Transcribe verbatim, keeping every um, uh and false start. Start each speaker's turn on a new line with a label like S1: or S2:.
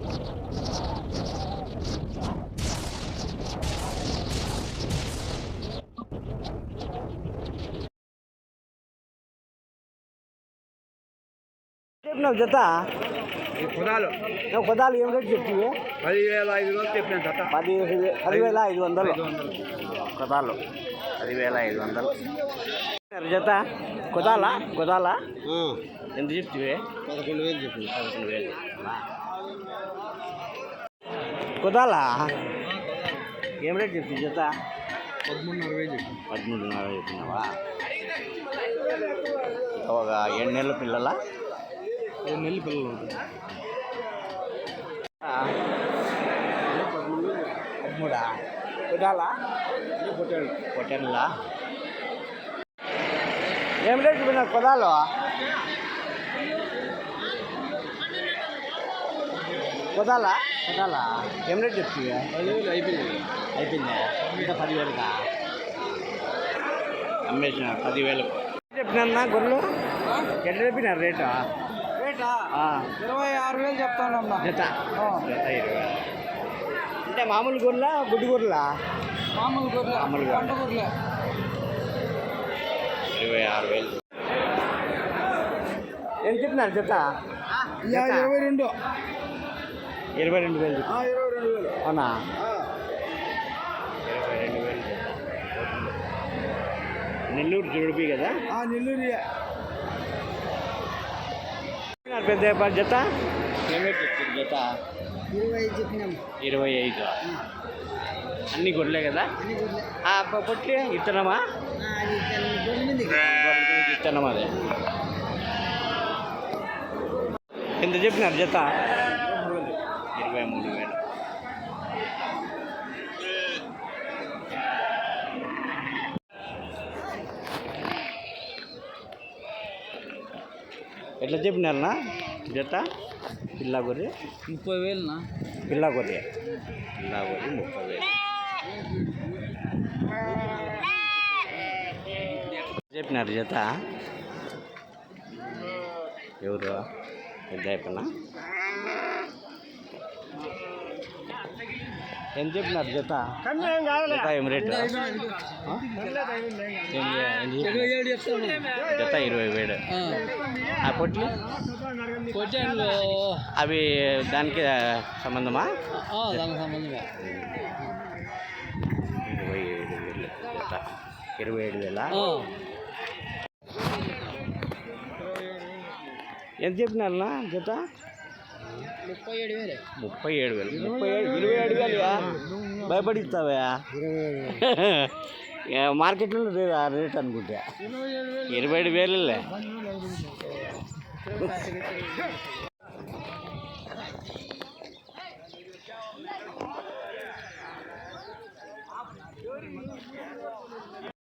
S1: చెప్పినావు జత
S2: కుదాలు
S1: నువ్వు కుదాలు ఏం రేటు చెప్తివి?
S2: పదివేల ఐదు వందలు చెప్పిన జత
S1: పది పదివేల ఐదు వందలు కుదాలు పదివేల ఐదు వందలు జత కుదాలా కుదాలా ఎంత చెప్తివి?
S2: పదకొండు వేలు చెప్పి
S1: పదకొండు వేలు కుదాలా ఏం రేటు చెప్తుంది జత?
S2: పదమూడున్నర వేలు చెప్పి
S1: పదమూడున్నర చెప్పినావా? ఒక ఏడు నెలల పిల్లల
S2: ఏడు నెలల పిల్లలు ఉంటుంది
S1: పదమూడా కుదాలా
S2: పొట్టాడు
S1: పొట్టెన్లా ఏం రేటు చెప్పిన కుదాలు? కుదాలా కుదాలా ఏం రేటు చెప్తుంది?
S2: పదివేలు అయిపోయింది
S1: అయిపోయిందా? ఇంకా పదివేలుగా అమ్మేసిన పదివేలు చెప్పినా గొర్రెలు ఎట్లా చెప్పినారు రేటు?
S2: రేటా ఇరవై ఆరు వేలు చెప్తానమ్మా
S1: జత జత ఇరవై అంటే మామూలు గొర్రెల గుడ్డు గొర్రెల?
S2: మామూలు గొర్రె
S1: మామూలు
S2: పంట గొర్రె
S1: ఇరవై ఆరు వేలు ఏం చెప్పినారు జత?
S2: ఇరవై రెండు
S1: ఇరవై రెండు వేలు
S2: ఇరవై రెండు వేలు
S1: అవునా? ఇరవై రెండు వేలు నెల్లూరు జుడిపి కదా?
S2: నెల్లూరు
S1: పెద్ద జత ఏమేమి చెప్తుంది జత?
S2: ఇరవై ఐదు చెప్పినాం
S1: ఇరవై ఐదు అన్ని గొడ్లే కదా? పొట్టి ఇత్తనమా? ఇత్తనం అదే ఎంత చెప్పినారు జత? ఇరవై మూడు వేలు ఎట్లా చెప్పినారన్నా జత? పిల్ల గొర్రె
S2: ముప్పై వేలునా?
S1: పిల్ల గొర్రె పిల్ల గొర్రె ముప్పై వేలు చెప్పినారు జత? ఎవరు పెద్ద అయిపోయినా ఎంత చెప్పినారు జత? జత ఏం రేటు? జత ఇరవై వేలు ఆ పొట్లు
S2: పొట్టాడు
S1: అవి దానికి సంబంధమా?
S2: దానికి సంబంధమే
S1: ఇరవై ఏడు వేలు జత ఇరవై ఏడు వేల ఎంత చెప్పినారన్నా జత?
S2: ముప్పై ఏడు వేలు
S1: ముప్పై ఏడు వేలు ముప్పై ఏడు ఇరవై ఏడు వేలుగా భయపడిస్తావా? మార్కెట్లో రేట్ అనుకుంటా ఇరవై ఏడు వేలే